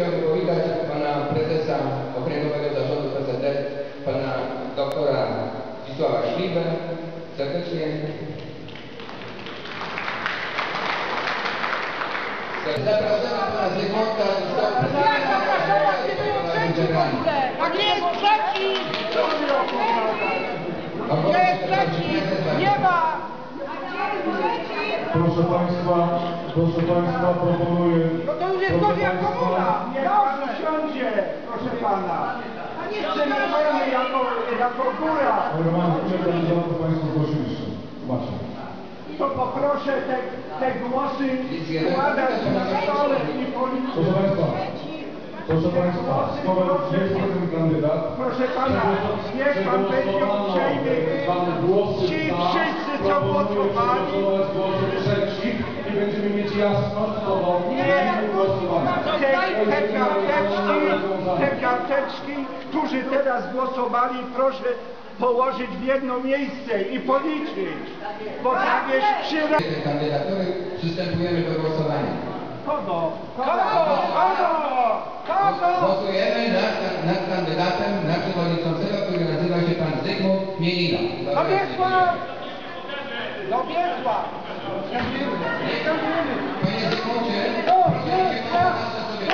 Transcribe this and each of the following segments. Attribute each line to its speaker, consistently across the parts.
Speaker 1: chciałbym powitać pana prezesa Okręgowego Zarządu PZD, pana doktora Zdzisława Śliwę. Serdecznie. Zapraszamy pana Zygmunta
Speaker 2: A gdzie jest trzeci? Gdzie jest trzeci? Nie ma!
Speaker 3: Proszę Państwa, proponuję...
Speaker 2: No to już jest gorzej jak komuna!
Speaker 4: Niech pan usiądzie, proszę pana. Przyjmujemy jako góra.
Speaker 3: Normalnie, ile kandydatów Państwo zgłosiliście? Macie.
Speaker 4: To poproszę te głosy składać na stole i policzyć.
Speaker 3: Proszę Państwa, skoro jest ten kandydat...
Speaker 4: Proszę pana, niech pan będzie uprzejmy. Ci wszyscy, co głosowali...
Speaker 3: I będziemy mieć jasność, co do
Speaker 4: Te karteczki, którzy teraz głosowali, proszę położyć w jedno miejsce i policzyć. Bo tam jest
Speaker 1: kandydatury. Przystępujemy do głosowania.
Speaker 4: Kogo?
Speaker 1: Głosujemy nad kandydatem na przewodniczącego, który nazywa się pan Zygmunt Mielina.
Speaker 4: Dobiegła!
Speaker 1: Panie Zygmuncie, proszę się pan sobie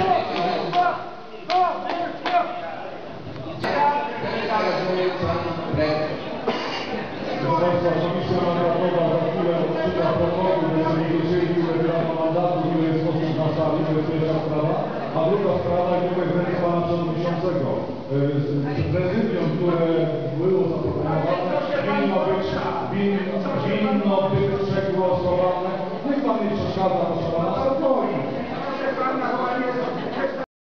Speaker 1: teraz mówi pan prezes.
Speaker 3: Komisja mandatowa za chwilę odczyta protokół, żeby nie wiedzieli, ile wybrano mandatów, ile jest osób na sali, to jest pierwsza sprawa. A druga sprawa, i tutaj zresztą pana przewodniczącego, prezydium, które było zaproponowane, winno być przegłosowane. Niech pan nie przeszkadza, proszę pana.